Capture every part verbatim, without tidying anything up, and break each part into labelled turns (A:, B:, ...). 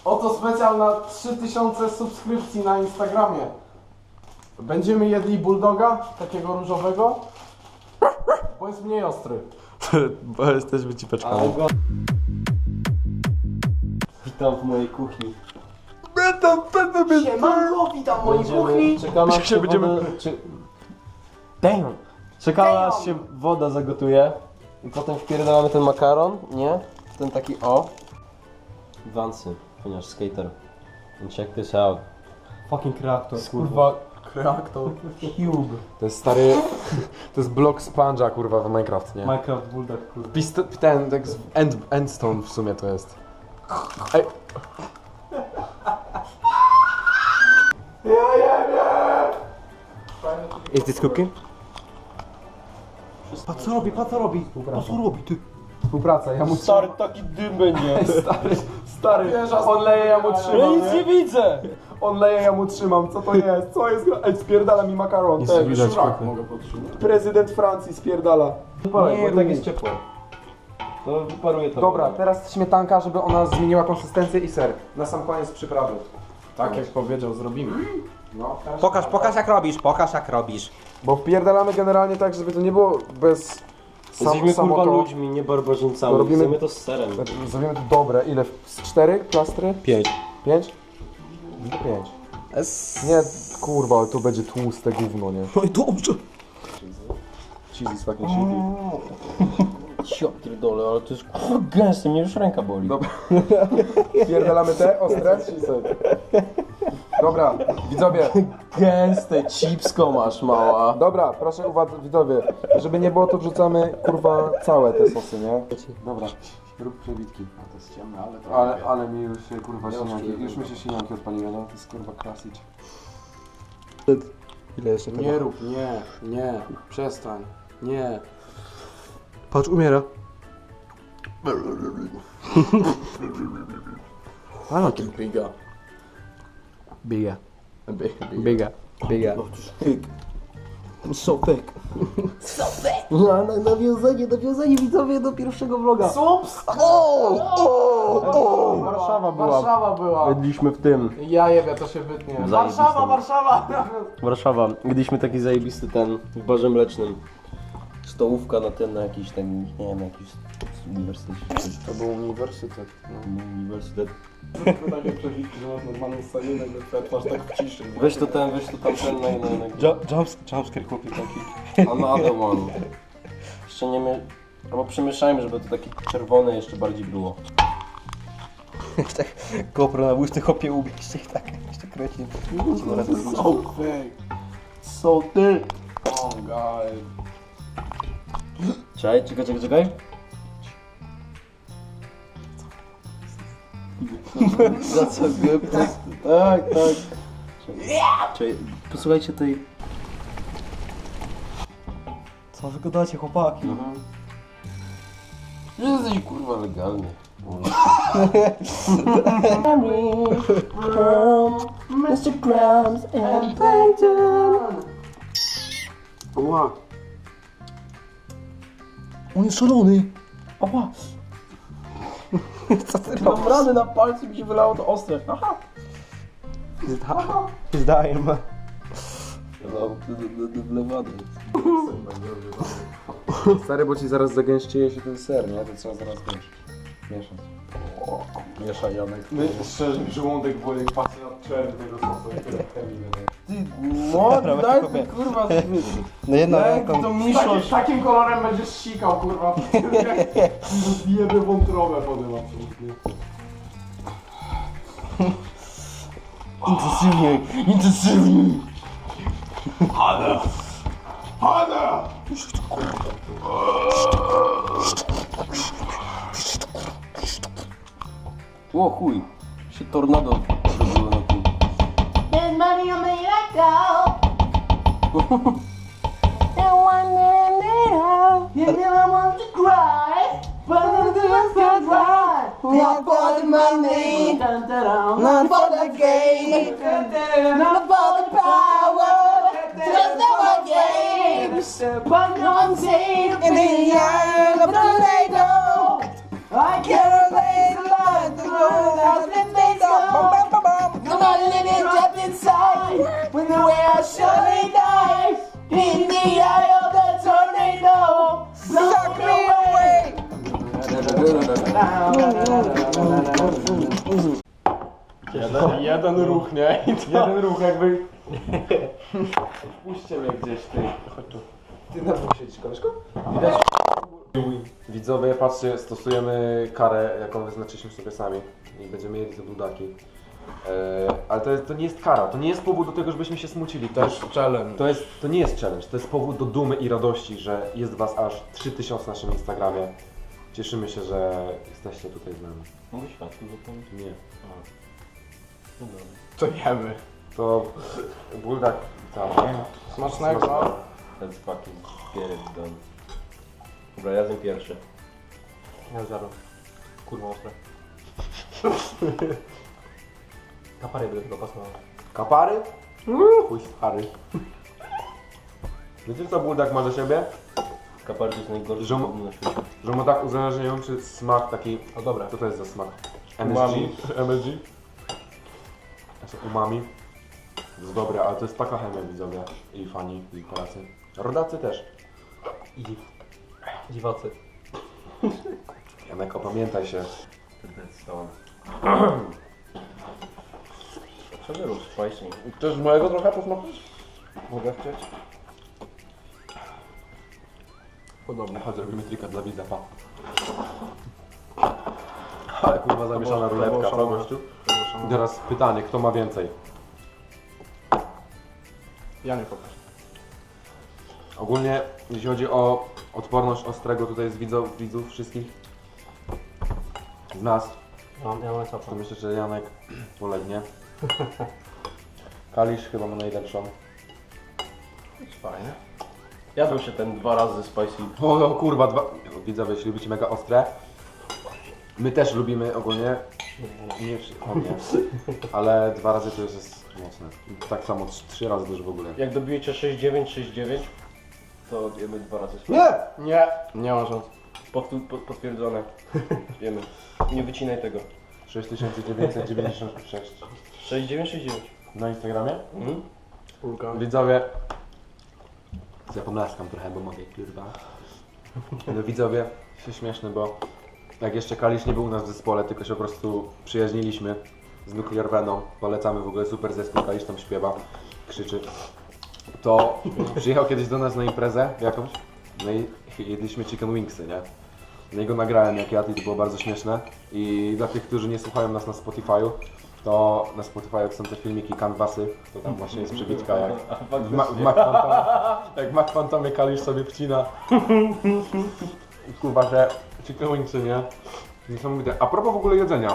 A: Oto specjal na trzy tysiące subskrypcji na Instagramie. Będziemy jedli bulldoga, takiego różowego, bo jest mniej ostry.
B: Bo jesteśmy cipeczkami.
C: Witam w mojej kuchni.
B: Będę, będę, będę.
A: Siemanko, witam w mojej kuchni.
C: Czekamy aż się
B: Będziemy-
C: woda, czy,
A: Damn.
C: czekamy aż się woda zagotuje. I potem wpierdalamy ten makaron, nie? Ten taki o. Wansy, ponieważ skater. And check this out. Fucking reaktor,
A: Kurwa, reaktor.
C: Cube.
B: To jest stary... To jest blok sponge'a, kurwa, w Minecraft, nie?
C: Minecraft Bulldog, kurwa.
B: Pist ten, tak z end, endstone w sumie to jest. Ej. Is this cooking?
C: Patrz co robi, patrz co robi. Patrz co robi, ty.
B: Współpraca, ja mu
C: Stary, taki dym będzie.
B: Stary, stary, on leje, ja mu
C: Ja
B: trzymam,
C: nic nie widzę.
B: On leje, ja mu trzymam, co to jest? Co jest? Ej, spierdala mi makaron.
A: Nic
B: Ten,
A: nie widać,
B: szurak.
A: mogę podtrzymać.
B: Prezydent Francji spierdala.
C: Nie, bo tak jest ciepło. To wyparuje to.
B: Dobra, teraz śmietanka, żeby ona zmieniła konsystencję i ser. Na sam koniec przyprawy.
A: Tak jak powiedział, zrobimy. No, teraz
D: Pokaż, pokaż jak robisz, pokaż jak robisz.
B: Bo wpierdalamy generalnie tak, żeby to nie było bez sam,
C: Jesteśmy
B: samo
C: kurwa
B: to.
C: ludźmi, nie barbarzyńcami.
B: To robimy-
C: Robimy to z serem.
B: Zrobimy to dobre. Ile? Z cztery plastry?
C: Pięć.
B: Pięć? Pięć. Nie, kurwa, ale to będzie tłuste gówno, nie?
D: No i dobrze.
B: Cheesy z fucking shitty.
C: Ja pierdolę, ale to jest kurwa gęste, mnie już ręka boli.
B: Dobra. Pierdalamy te ostre? Dobra, widzowie.
C: Gęste, chipsko masz mała.
B: Dobra, proszę uwagi, widzowie. Żeby nie było, to wrzucamy, kurwa, całe te sosy, nie? Dobra, rób przebitki.
A: to jest ciemne, ale to
B: Ale, ale mi już się, kurwa,
A: Ja
B: sinianki,
A: już
B: już mi się sinianki odpaliły, no? To jest, kurwa, klasyk.
D: Ile jeszcze tego?
A: Nie rób, nie, nie, przestań, nie.
D: Patrz, umiera. Ale to
A: Biga.
D: biga,
A: Biga.
D: biga, biga.
C: So thick. No, na, nawiązanie, nawiązanie widzowie do pierwszego vloga.
A: Sups!
C: Warszawa była.
A: Warszawa była.
C: Jedliśmy w tym.
A: Ja jebie, to się wytnie. Warszawa, Warszawa!
C: Warszawa. Jedliśmy taki zajebisty ten w barze mlecznym. Stołówka na ten, na jakiś ten, nie wiem, jakiś uniwersytet.
A: To był uniwersytet. No.
C: Uniwersytet.
A: Takie przebitki, że masz normalną scenę, nagle twoja twarz tak w ciszy.
C: Weź to ten, weź to tamten, na na na
D: Jumpscare chłopie taki.
C: Another one. Jeszcze nie my... Albo przemieszajmy, żeby to takie czerwone jeszcze bardziej było.
D: Tak GoPro na łyżce chopie ubieście tak jeszcze kręci.
A: So fake. So thick. Oh god.
C: Czekaj, czekaj, czekaj, czekaj. Za co go? Tak, tak. Czekaj, posłuchajcie tej...
D: Co wy gadacie, chłopaki?
C: Jesteś kurwa legalny. Instagrams and Plankton.
A: Ła.
D: On jest szalony.
C: Oła. Co ty Mam rany na palcu mi się wylało to ostre. Aha.
D: Zdaję, ma.
C: Lewady.
B: Stary, bo ci zaraz zagęścieje się ten ser, nie? To trzeba zaraz wiesz, mieszać.
C: Mieszaj Janek.
A: My, szczerze, mi żołądek boli, jak patrzę na czerw tego sosu, jak tyle chemii wydaje.
C: No, daj ty kurwa.
D: No jedna
C: Daj
D: ręką.
C: to
A: Takim,
C: miszosz.
A: takim kolorem będziesz sikał, kurwa. Zjebie wątrobę potem absolutnie.
C: Intensywniej, intensywniej.
A: Hada! Hada!
C: O chuj, się tornado zrobiło na tym.
E: There's money on me let go. And one minute, you never want to cry, but the tears get dry. Not for the money, not for the gain, not for the power, just our games. But no one's safe in the eye of the tornado. I can't relate to life, the world has been made so.
A: Jeden, jeden ruch, nie? I to...
B: Jeden ruch jakby... Puśćcie mnie gdzieś, ty. Chodź tu. Ty na dwóch siedzisz, koleżko? Widać? Widzowie, patrzcie, stosujemy karę, jaką wyznaczyliśmy sobie sami. I będziemy jedli te dudaki. Eee, ale to, jest, to nie jest kara, to nie jest powód do tego, żebyśmy się smucili.
A: To jest challenge.
B: To, jest, to nie jest challenge, to jest powód do dumy i radości, że jest was aż trzy tysiące na naszym Instagramie. Cieszymy się, że jesteście tutaj z nami.
C: Mogę światło zapomnieć?
B: Nie.
C: No dobra.
A: To jemy.
B: To buldak cały.
A: Smacznego.
C: Let's fucking get it done. Dobra, ja zjem pierwszy.
A: Ja zero.
C: Kurwa ostre. Kapary by do tego pasowały.
B: Kapary? Chuj stary. Wiecie co buldak ma do siebie?
C: Kapary to jest najgorszy
B: Żom-
C: gówno na świecie.
B: Że ma tak uzależniający smak taki...
A: O dobra.
B: Co to jest za smak? M S G?
A: Umami.
B: M S G? Znaczy umami. To jest dobre, ale to jest taka chemia widzowie. I fani, i Polacy. Rodacy też.
C: I dziw. Dziwacy.
B: Janek, opamiętaj się.
C: Stone. Dlaczego rób spicy?
A: Chcesz mojego trochę posmakować? Mogę chcieć? Podobnie.
B: Chodź, robimy trika dla widza, pa. Ale kurwa zamieszana
A: było- to było
B: ruletka, co
A: szalone.
B: gościu? I teraz pytanie, kto ma więcej?
A: Ja nie pokażę.
B: Ogólnie, jeśli chodzi o odporność ostrego tutaj z widzów, widzów wszystkich, z nas,
C: Ja, ja mam
B: to
C: sapę.
B: myślę, że Janek polegnie. Kalisz chyba ma najlepszą.
A: Jest fajnie.
C: Jadł się ten dwa razy spicy.
B: O no kurwa, dwa... Widzowie, jeśli lubicie mega ostre, my też lubimy ogólnie, nie wszyscy, o nie, ale dwa razy to już jest mocne. Tak samo trz- trzy razy też w ogóle.
C: Jak dobijecie sześć dziewięć sześć dziewięć, to jemy dwa razy spicy.
B: Nie!
A: Nie, nie ma szans.
C: Powtó- po- potwierdzone. Wiemy. Nie wycinaj tego.
B: sześć tysięcy dziewięćset dziewięćdziesiąt sześć
C: sześć dziewięć sześć dziewięć.
B: na Instagramie.
C: Mhm.
A: Spólka.
B: Widzowie, ja pomlaskam trochę, bo mogę, kurwa. No widzowie, się śmieszne, bo jak jeszcze Kalisz nie był u nas w zespole, tylko się po prostu przyjaźniliśmy z Nuclear Venom, polecamy w ogóle super zespół, Kalisz tam śpiewa, krzyczy, to przyjechał kiedyś do nas na imprezę jakąś, no i jedliśmy chicken wingsy, nie? No i go nagrałem jak jadł i to było bardzo śmieszne i dla tych, którzy nie słuchają nas na Spotify'u, to na Spotify są te filmiki, canvasy, to tam właśnie jest przebitka jak w, Ma- w Mac Phantomie, jak w Mac Phantomie Kalisz sobie wcina. Kurwa, że chicken wingsy, nie? Niesamowite. A propos w ogóle jedzenia,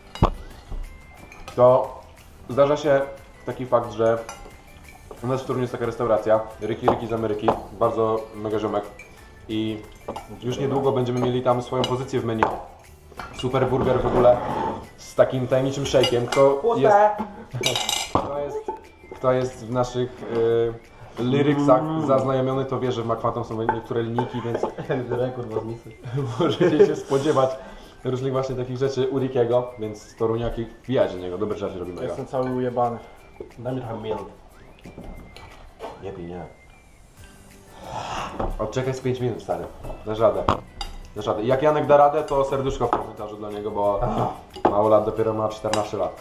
B: to zdarza się taki fakt, że u nas w Toruniu jest taka restauracja, Ryki Ryki z Ameryki, bardzo mega ziomek i już niedługo będziemy mieli tam swoją pozycję w menu. Super burger w ogóle z takim tajemniczym shake'iem. Kto jest, kto jest, kto jest w naszych y, lyricsach zaznajomiony, to wie, że w McFatom są niektóre linijki, więc
C: Rekord was misy.
B: możecie się spodziewać różnych właśnie takich rzeczy u Rickiego, więc Toruniaki wbijać do niego, dobre rzeczy robimy.
A: Jestem cały ujebany.
C: Daj mi trochę milk.
B: Nie pij, nie. Odczekaj z pięć minut, stary. Dasz radę. Dasz radę. I jak Janek da radę, to serduszko w komentarzu dla niego, bo mało lat, dopiero ma czternaście lat.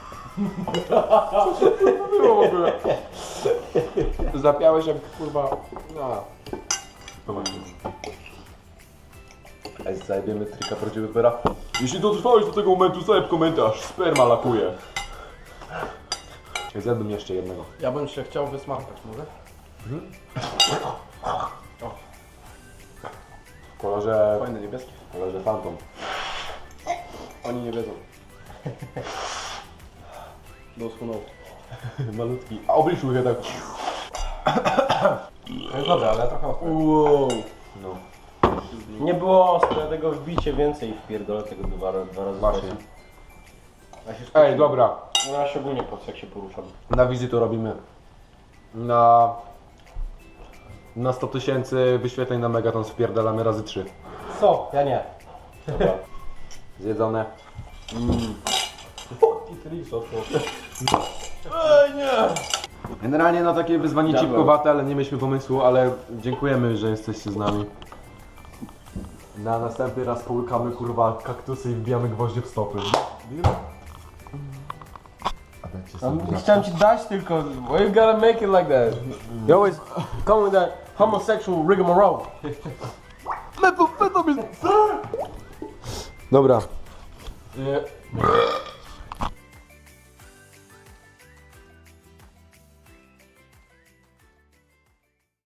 B: Co to było w ogóle? Zapiałeś jak kurwa... No. Ej, zajebiemy trika prawdziwy pera. Jeśli dotrwałeś do tego momentu, zajeb komentarz. Sperma lakuje. Zjadłbym jeszcze jednego.
A: Ja bym się chciał wysmarkać, może?
B: W kolorze...
A: Fajny niebieski.
B: W kolorze Phantom.
A: Oni nie wiedzą. Doskonał.
B: Malutki. A obliczu je tak.
A: No dobra, ale trochę ostre.
C: Wow.
B: No.
C: Nie było ostre, tego wbicie więcej wpierdolę tego dwa, dwa razy
B: Właśnie.
C: spicy. Ja się
B: Ej, dobra.
C: No ja szczególnie po co jak się poruszam.
B: Na wizji to robimy. Na... Na sto tysięcy wyświetleń na Megaton wpierdalamy razy trzy.
C: Co? Ja nie.
B: Dobra. Zjedzone. Generalnie no takie wyzwanie
C: Diabeł.
B: cipkowate, ale nie mieliśmy pomysłu, ale dziękujemy, że jesteście z nami. Na następny raz połykamy kurwa kaktusy i wbijamy gwoździe w stopy. A dajcie sobie
C: Um, chciałem ci dać tylko. Why you gotta make it like that? You always come with that homosexual rigmarole.
B: Dobra.
C: Yeah.